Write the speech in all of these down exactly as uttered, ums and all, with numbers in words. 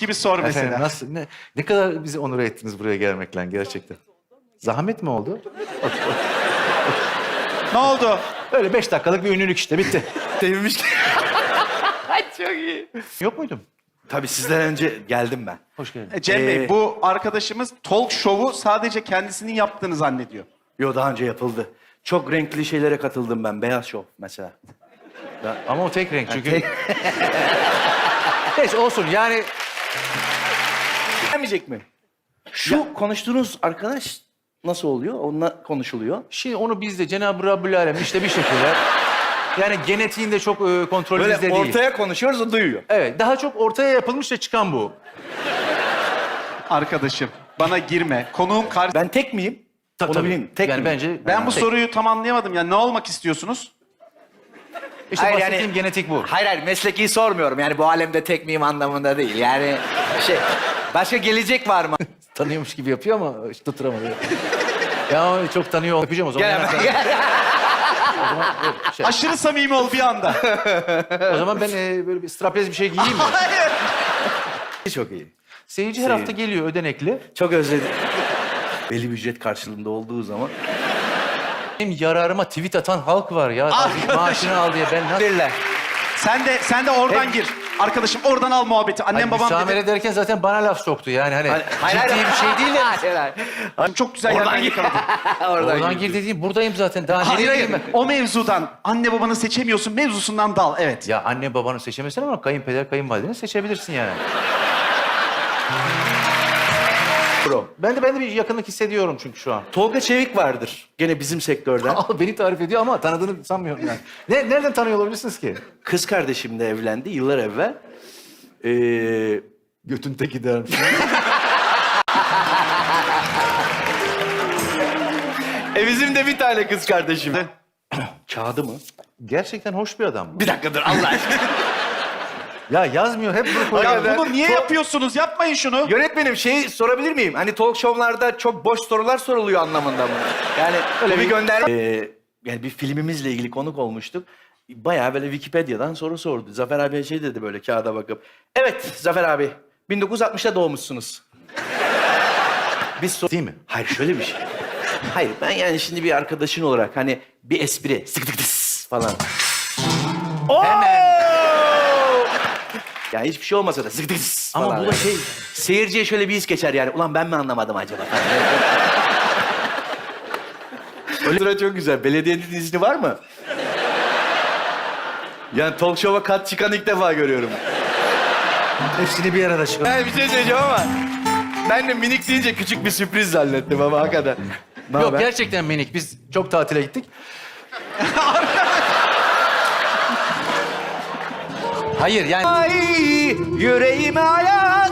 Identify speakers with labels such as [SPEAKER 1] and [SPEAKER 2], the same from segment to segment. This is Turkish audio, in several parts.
[SPEAKER 1] gibi sor mesela.
[SPEAKER 2] Efendim, nasıl, ne, ne kadar bizi onur ettiniz buraya gelmekle gerçekten. Zahmet mi oldu?
[SPEAKER 1] Ne oldu?
[SPEAKER 2] Öyle beş dakikalık bir ünlülük işte, bitti.
[SPEAKER 3] Sevmiş.
[SPEAKER 1] Çok iyi.
[SPEAKER 2] Yok muydum?
[SPEAKER 3] Tabii sizden önce geldim ben.
[SPEAKER 2] Hoş geldin.
[SPEAKER 1] E, Cem Bey,
[SPEAKER 3] Ee,
[SPEAKER 1] bu arkadaşımız talk show'u sadece kendisinin yaptığını zannediyor.
[SPEAKER 3] Yo, daha önce yapıldı. Çok renkli şeylere katıldım ben. Beyaz şov mesela.
[SPEAKER 2] Ama o tek renk çünkü.
[SPEAKER 3] tek-
[SPEAKER 2] Neyse olsun yani.
[SPEAKER 3] Gelmeyecek mi? Şu konuştuğunuz arkadaş nasıl oluyor? Onunla konuşuluyor.
[SPEAKER 2] Şimdi onu biz de Cenab-ı Rabbül Alem işte bir şekilde. Yani genetiğinde çok e, kontrol
[SPEAKER 3] Böyle
[SPEAKER 2] bizde değil.
[SPEAKER 3] ortaya konuşuyoruz, o duyuyor.
[SPEAKER 2] Evet, daha çok ortaya yapılmış da çıkan bu.
[SPEAKER 1] Arkadaşım, bana girme. Konuğum karşı... Ben,
[SPEAKER 3] Ben tek miyim?
[SPEAKER 2] Tabii,
[SPEAKER 3] Onu
[SPEAKER 2] tabii.
[SPEAKER 3] bileyim. Tek
[SPEAKER 2] yani
[SPEAKER 3] miyim?
[SPEAKER 2] bence
[SPEAKER 1] ben bu
[SPEAKER 2] tek.
[SPEAKER 1] soruyu tam anlayamadım. Yani ne olmak istiyorsunuz?
[SPEAKER 2] İşte
[SPEAKER 4] Hayır,
[SPEAKER 2] bahsettiğim
[SPEAKER 4] yani-
[SPEAKER 2] genetik bu.
[SPEAKER 4] Hayır hayır mesleki sormuyorum. Yani bu alemde tek miyim anlamında değil. Yani şey başka gelecek var mı?
[SPEAKER 2] Tanıyormuş gibi yapıyor ama hiç tutturamadı. Ya o çok tanıyor. Öpeceğim o zaman.
[SPEAKER 4] Gel
[SPEAKER 2] yanaktan.
[SPEAKER 4] hemen.
[SPEAKER 2] O zaman, evet, şey.
[SPEAKER 1] Aşırı samimi ol bir anda.
[SPEAKER 2] O zaman ben e, böyle bir straplez bir şey giyeyim mi?
[SPEAKER 3] Çok iyi.
[SPEAKER 2] Seyirci her hafta geliyor ödenekli.
[SPEAKER 3] Çok özledim. Belli bir ücret karşılığında olduğu zaman.
[SPEAKER 2] Benim yararıma tweet atan halk var ya.
[SPEAKER 1] Arkadaşım.
[SPEAKER 2] Maaşını al diye ben nasıl...
[SPEAKER 3] Verirler.
[SPEAKER 1] Sen de sen de oradan gir. Arkadaşım oradan al muhabbeti. Annem
[SPEAKER 2] Hani
[SPEAKER 1] babam
[SPEAKER 2] müsamere
[SPEAKER 1] dedi.
[SPEAKER 2] ederken zaten bana laf soktu yani hani
[SPEAKER 3] Hayır,
[SPEAKER 2] ciddi bir şey değil de.
[SPEAKER 4] Hayır, hayır.
[SPEAKER 1] Çok güzel yerden yakaladın.
[SPEAKER 4] Oradan
[SPEAKER 2] Oradan gir dediğim buradayım zaten. Daha
[SPEAKER 1] Hayır
[SPEAKER 2] nereye
[SPEAKER 1] hayır.
[SPEAKER 2] gireyim ben?
[SPEAKER 1] O mevzudan anne babanı seçemiyorsun mevzusundan dal. Evet.
[SPEAKER 2] Ya anne babanı seçemezsin ama kayınpeder kayınvalideni seçebilirsin yani.
[SPEAKER 3] Bro.
[SPEAKER 2] Ben de ben de bir yakınlık hissediyorum çünkü şu an.
[SPEAKER 3] Tolga Çevik vardır. Gene bizim sektörden.
[SPEAKER 2] Al beni tarif ediyor ama tanıdığını sanmıyorum yani. Ne, nereden tanıyor olabilirsiniz ki?
[SPEAKER 3] Kız kardeşimle evlendi yıllar evvel. Ee,
[SPEAKER 2] Götün teki dermiş.
[SPEAKER 3] e bizim de bir tane kız kardeşim. Kağıdı mı?
[SPEAKER 2] Gerçekten hoş bir adam.
[SPEAKER 3] Bir dakika dur Allah aşkına.
[SPEAKER 2] Ya yazmıyor hep bunu koyuyor.
[SPEAKER 1] Ya
[SPEAKER 3] ben-
[SPEAKER 1] bunu niye
[SPEAKER 3] Çok-
[SPEAKER 1] yapıyorsunuz? Yapmayın şunu.
[SPEAKER 3] Yönetmenim şey sorabilir miyim? Hani talk show'larda çok boş sorular soruluyor anlamında mı? Yani öyle bir gönderme. Ee, yani bir filmimizle ilgili konuk olmuştuk. Bayağı böyle Wikipedia'dan soru sordu. Zafer abiye şey dedi böyle kağıda bakıp. Evet Zafer abi, bin dokuz yüz altmışta doğmuşsunuz. Biz sor-
[SPEAKER 2] Değil mi?
[SPEAKER 3] Hayır şöyle bir şey. Hayır ben yani şimdi bir arkadaşın olarak hani bir espri sık tık tıs falan. Hemen. Ya hiçbir şey olmasa da sık tık tıs
[SPEAKER 2] Ama
[SPEAKER 3] falan.
[SPEAKER 2] bu da şey...
[SPEAKER 3] Seyirciye şöyle bir his geçer yani. Ulan ben mi anlamadım acaba? Öyle sıra çok güzel. Belediyenin izni var mı? Yani talk show'a kat çıkan ilk defa görüyorum.
[SPEAKER 2] Hepsini bir arada çıkar.
[SPEAKER 3] Ben bir şey söyleyeceğim ama ben de minik deyince küçük bir sürpriz zannettim ama hakikaten. Ne
[SPEAKER 2] Yok
[SPEAKER 3] haber?
[SPEAKER 2] gerçekten minik. Biz çok tatile gittik. Hayır yani...
[SPEAKER 3] Ay yüreğime hayat.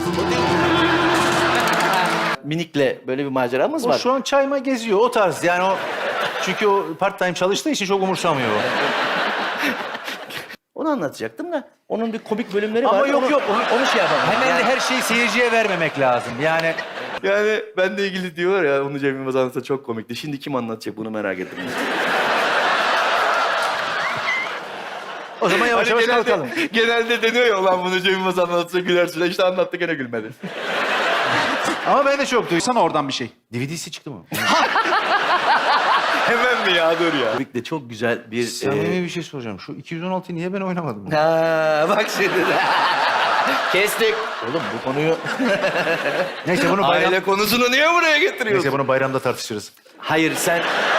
[SPEAKER 3] Minikle böyle bir maceramız
[SPEAKER 2] O
[SPEAKER 3] var.
[SPEAKER 2] şu an çayma geziyor o tarz yani o... Çünkü o part time çalıştığı için çok umursamıyor o.
[SPEAKER 3] Onu anlatacaktım da onun bir komik bölümleri var.
[SPEAKER 2] Ama yok
[SPEAKER 3] onu,
[SPEAKER 2] yok.
[SPEAKER 3] Onu, onu şey yapamam.
[SPEAKER 2] Hemen de her şeyi seyirciye vermemek lazım. Yani
[SPEAKER 3] Yani ben de ilgili diyorlar ya onu Cem Yılmaz anlatsa çok komikti. Şimdi kim anlatacak bunu merak ettim.
[SPEAKER 2] o zaman yavaş yavaş
[SPEAKER 3] genelde,
[SPEAKER 2] kalkalım.
[SPEAKER 3] genelde deniyor ya ulan bunu Cem Yılmaz anlatsa gülersin. İşte anlattı gene gülmedi.
[SPEAKER 2] Ama ben de çok duydum.
[SPEAKER 1] Sana oradan bir şey.
[SPEAKER 2] D V D'si çıktı mı?
[SPEAKER 3] Hemen mi ya dur ya. Tabii de çok güzel bir...
[SPEAKER 2] Samimi
[SPEAKER 3] e,
[SPEAKER 2] bir şey soracağım. Şu iki yüz on altıyı niye ben oynamadım?
[SPEAKER 3] Ha, bak şimdi de. Kestik.
[SPEAKER 2] Oğlum bu konuyu... Neyse bunu bayram...
[SPEAKER 3] Aile konusunu niye buraya getiriyorsun?
[SPEAKER 2] Neyse bunu bayramda tartışırız.
[SPEAKER 3] Hayır sen...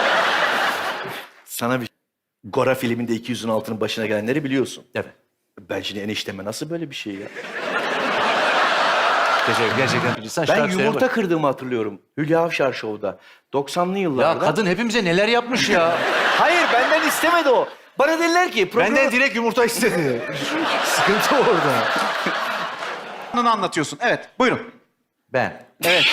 [SPEAKER 3] Sana bir... Gora filminde iki yüz on altının başına gelenleri biliyorsun.
[SPEAKER 2] Evet.
[SPEAKER 3] Ben şimdi enişteme nasıl böyle bir şey ya?
[SPEAKER 2] Teşekkür gerçekten. Sen
[SPEAKER 3] Ben
[SPEAKER 2] şarkı
[SPEAKER 3] yumurta
[SPEAKER 2] söyle
[SPEAKER 3] kırdığımı hatırlıyorum. Hülya Avşar Show'da. doksanlı
[SPEAKER 2] bak.
[SPEAKER 3] yıllarda.
[SPEAKER 2] Ya kadın hepimize neler yapmış ya.
[SPEAKER 3] Hayır benden istemedi o. Bana dediler ki programı...
[SPEAKER 2] Benden direkt yumurta istedi. Sıkıntı orada.
[SPEAKER 1] Bunu anlatıyorsun. Evet. Buyurun.
[SPEAKER 2] Ben.
[SPEAKER 1] Evet.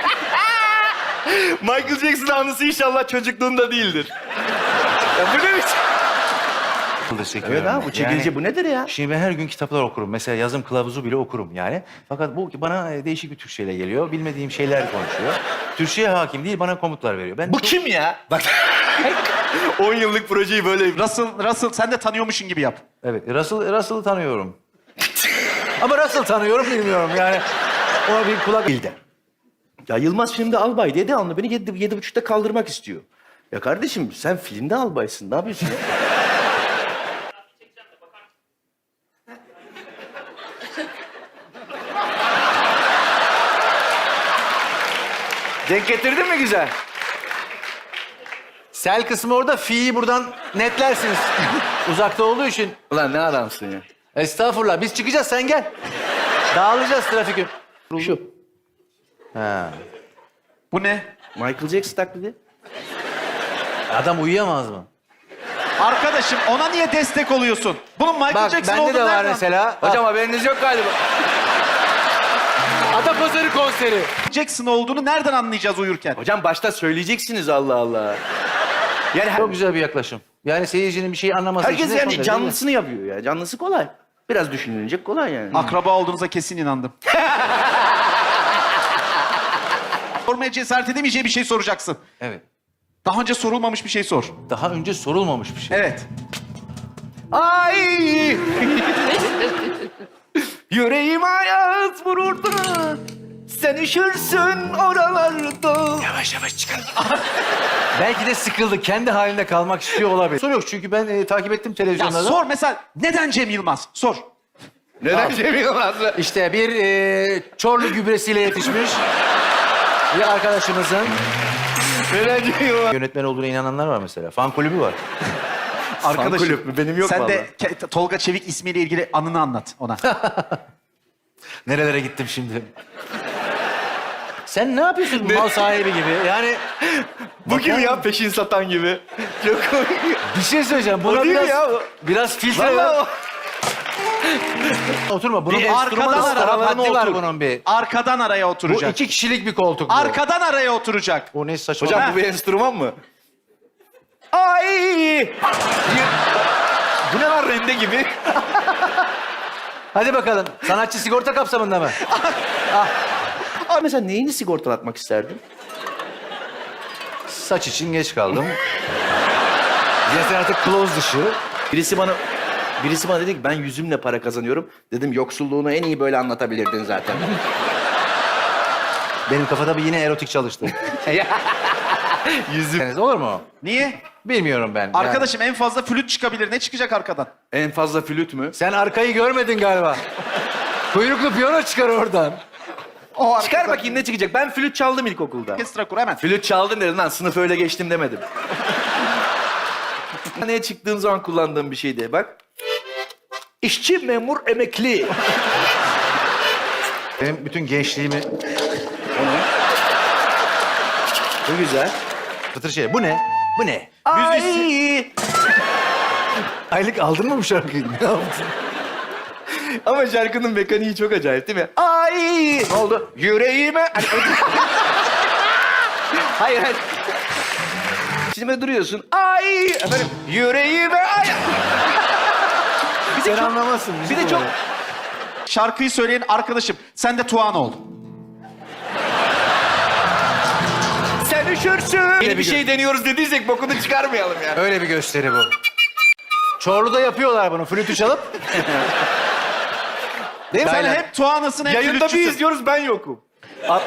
[SPEAKER 3] Michael Jackson anısı inşallah çocukluğunda değildir. Ya bu ne biçim? Evet ha bu çekici
[SPEAKER 2] Yani-
[SPEAKER 3] bu nedir ya?
[SPEAKER 2] Şimdi ben her gün kitaplar okurum. Mesela yazım kılavuzu bile okurum yani. Fakat bu bana e, değişik bir Türkçeyle geliyor. Bilmediğim şeyler konuşuyor. Türkçeye hakim değil, bana komutlar veriyor. Ben
[SPEAKER 3] Bu
[SPEAKER 2] çok-
[SPEAKER 3] kim ya? Bak. on yıllık projeyi böyle...
[SPEAKER 1] Russell, Russell sen de tanıyormuşsun gibi yap.
[SPEAKER 2] Evet, Russell, Russell'ı tanıyorum. Ama nasıl tanıyorum bilmiyorum yani. Ona bir kulak...
[SPEAKER 3] Bilden. Ya Yılmaz filmde albay diye devamlı beni yedi, yedi buçukta kaldırmak istiyor. Ya kardeşim sen filmde albaysın. Ne yapıyorsun ya? Denk getirdin mi güzel?
[SPEAKER 2] Sel kısmı orada, fi'yi buradan netlersiniz. Uzakta olduğu için.
[SPEAKER 3] Ulan ne adamsın ya?
[SPEAKER 2] Estağfurullah. Biz çıkacağız, sen gel. Dağılacağız trafik.
[SPEAKER 3] Şu.
[SPEAKER 2] Ha.
[SPEAKER 1] Bu ne?
[SPEAKER 3] Michael Jackson taklidi.
[SPEAKER 2] Adam uyuyamaz mı?
[SPEAKER 1] Arkadaşım ona niye destek oluyorsun? Bunun Michael
[SPEAKER 2] Bak
[SPEAKER 1] Jackson
[SPEAKER 2] bende
[SPEAKER 1] olduğunu
[SPEAKER 2] de var
[SPEAKER 1] nereden-
[SPEAKER 2] mesela.
[SPEAKER 3] Hocam haberiniz yok galiba.
[SPEAKER 2] Atapazarı konseri.
[SPEAKER 1] Jackson olduğunu nereden anlayacağız uyurken?
[SPEAKER 3] Hocam başta söyleyeceksiniz Allah Allah. Yani her-
[SPEAKER 2] Çok güzel bir yaklaşım. Yani seyircinin bir şey anlaması için
[SPEAKER 3] herkes
[SPEAKER 2] de çok
[SPEAKER 3] yani
[SPEAKER 2] güzel, değil mi?
[SPEAKER 3] canlısını yapıyor ya. Canlısı kolay. Biraz düşünülecek kolay yani.
[SPEAKER 1] Akraba olduğunuza kesin inandım. Sormaya cesaret edemeyeceği bir şey soracaksın.
[SPEAKER 2] Evet.
[SPEAKER 1] Daha önce sorulmamış bir şey sor.
[SPEAKER 2] Daha önce sorulmamış bir şey.
[SPEAKER 1] Evet.
[SPEAKER 3] Ay! Yüreğim hayat vururdu. Sen üşürsün oralarda.
[SPEAKER 2] Yavaş yavaş çıkalım. Belki de sıkıldı. Kendi halinde kalmak istiyor olabilir. Soru yok çünkü ben e, takip ettim
[SPEAKER 1] Ya
[SPEAKER 2] televizyonlarda.
[SPEAKER 1] sor mesela neden Cem Yılmaz? Sor.
[SPEAKER 3] Neden Cem Yılmaz'la?
[SPEAKER 2] İşte bir e, Çorlu gübresiyle yetişmiş bir arkadaşımızın
[SPEAKER 3] Neden Cem Yılmaz?
[SPEAKER 2] yönetmen olduğuna inananlar var mesela. Fan kulübü var.
[SPEAKER 1] Arkadaşım.
[SPEAKER 3] kulüp mü? Benim yok
[SPEAKER 1] Sen de
[SPEAKER 3] vallahi.
[SPEAKER 1] Ke- Tolga Çevik ismiyle ilgili anını anlat ona.
[SPEAKER 2] Nerelere gittim şimdi? Sen ne yapıyorsun bu mal sahibi gibi? Yani
[SPEAKER 3] Bu kim ya peşin satan gibi? Çok komik.
[SPEAKER 2] bir şey söyleyeceğim. Buna
[SPEAKER 3] O değil
[SPEAKER 2] biraz,
[SPEAKER 3] ya o.
[SPEAKER 2] biraz filtre ver.
[SPEAKER 3] Vallahi o.
[SPEAKER 2] Oturma. Bunun
[SPEAKER 1] Bir
[SPEAKER 2] bir enstrüman
[SPEAKER 1] arkadan
[SPEAKER 2] standartı
[SPEAKER 1] ara,
[SPEAKER 2] haddi var
[SPEAKER 1] otur.
[SPEAKER 2] bunun bir.
[SPEAKER 1] Arkadan araya
[SPEAKER 2] Bu
[SPEAKER 1] oturacak.
[SPEAKER 2] iki kişilik bir koltuk bu.
[SPEAKER 1] Arkadan araya oturacak.
[SPEAKER 2] O ne saçma.
[SPEAKER 3] Hocam
[SPEAKER 1] Ha.
[SPEAKER 3] bu bir enstrüman mı? Ay! Bu ne lan rende gibi?
[SPEAKER 2] Hadi bakalım. Sanatçı sigorta kapsamında mı?
[SPEAKER 3] Abi mesela neyini sigortalatmak isterdin?
[SPEAKER 2] Saç için geç kaldım. Zaten artık close dışı.
[SPEAKER 3] Birisi bana birisi bana dedi ki ben yüzümle para kazanıyorum. Dedim yoksulluğunu en iyi böyle anlatabilirdin zaten.
[SPEAKER 2] Benim kafada bir yine erotik çalıştı. Yüzüm. Olur mu?
[SPEAKER 1] Niye?
[SPEAKER 2] Bilmiyorum ben. Yani.
[SPEAKER 1] Arkadaşım en fazla flüt çıkabilir. Ne çıkacak arkadan?
[SPEAKER 3] En fazla flüt mü?
[SPEAKER 2] Sen arkayı görmedin galiba. Kuyruklu piyano çıkar oradan.
[SPEAKER 1] O arkadan.
[SPEAKER 3] Çıkar bakayım ne çıkacak. Ben flüt çaldım ilkokulda.
[SPEAKER 1] Orkestra kur hemen.
[SPEAKER 3] Flüt çaldın dedin lan sınıf öyle geçtim demedim. Neye çıktığım zaman kullandığım bir şeydi bak. İşçi, memur, emekli.
[SPEAKER 2] Benim bütün gençliğimi...
[SPEAKER 3] Bu güzel.
[SPEAKER 2] Fıtır şey. Bu ne? Bu ne?
[SPEAKER 3] Ay!
[SPEAKER 2] Aylık aldın mı bu şarkıyı? Ne yaptın?
[SPEAKER 3] Ama şarkının mekaniği çok acayip değil mi? Ay! Ne oldu? Yüreğime... hayır, hayır. Şimdi böyle duruyorsun. Ay! Efendim, yüreğime... Ay! Bir de
[SPEAKER 2] Sen
[SPEAKER 3] çok-
[SPEAKER 2] anlamazsın.
[SPEAKER 3] Bir de çok...
[SPEAKER 1] Şarkıyı söyleyen arkadaşım. Sen de Tuğan ol.
[SPEAKER 3] Sen üşürsün. Yeni bir
[SPEAKER 2] bir
[SPEAKER 3] şey deniyoruz dediysek bokunu çıkarmayalım yani.
[SPEAKER 2] Öyle bir gösteri bu. Çorlu'da yapıyorlar bunu. Flütü çalıp. Değil mi?
[SPEAKER 1] Sen
[SPEAKER 2] Aynen.
[SPEAKER 1] hep Tuğan'ısın, hep
[SPEAKER 3] Yayında bir
[SPEAKER 1] flütçüsün.
[SPEAKER 3] izliyoruz ben yokum. At-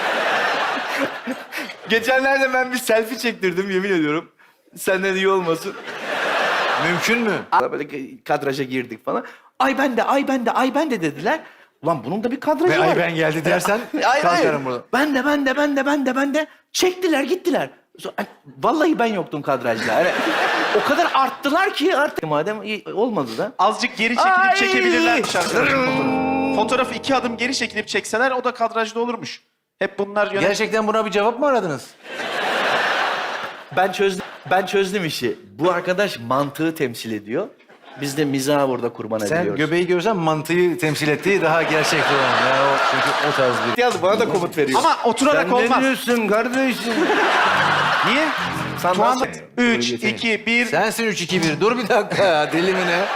[SPEAKER 3] Geçenlerde ben bir selfie çektirdim yemin ediyorum. Senden iyi olmasın.
[SPEAKER 2] Mümkün mü?
[SPEAKER 3] Böyle kadraja girdik falan. Ay ben de, ay ben de, ay ben de dediler. Ulan bunun da bir kadrajı
[SPEAKER 2] Ve
[SPEAKER 3] var.
[SPEAKER 2] ay ben geldi dersen
[SPEAKER 3] Hayır, hayır.
[SPEAKER 2] kalkarım burada.
[SPEAKER 3] Ben de, ben de, ben de, ben de, ben de. Çektiler, gittiler. Sonra- Ay, vallahi ben yoktum kadrajda. Yani o kadar arttılar ki artık. Madem iyi, olmadı da.
[SPEAKER 1] Azıcık geri çekilip
[SPEAKER 3] Ay!
[SPEAKER 1] çekebilirlermiş arkadaşım fotoğrafı. Fotoğrafı iki adım geri çekilip çekseler o da kadrajda olurmuş. Hep bunlar yönet...
[SPEAKER 2] Gerçekten buna bir cevap mı aradınız?
[SPEAKER 3] Ben çözdüm, ben çözdüm işi. Bu arkadaş mantığı temsil ediyor. Biz de mizahı burada kurban
[SPEAKER 2] Sen
[SPEAKER 3] ediyoruz.
[SPEAKER 2] göbeği görsen mantıyı temsil ettiği daha gerçekçi olan. Yani o, çünkü o tarz bir...
[SPEAKER 3] Yaz bana da komut veriyor.
[SPEAKER 1] Ama oturarak
[SPEAKER 3] Sen
[SPEAKER 1] olmaz.
[SPEAKER 3] ne diyorsun kardeşim?
[SPEAKER 1] Niye?
[SPEAKER 3] Sen
[SPEAKER 1] Tuğan
[SPEAKER 3] nasıl-
[SPEAKER 1] üç, iki, bir...
[SPEAKER 2] Sensin üç iki bir. Dur bir dakika ya. Deli mi ne?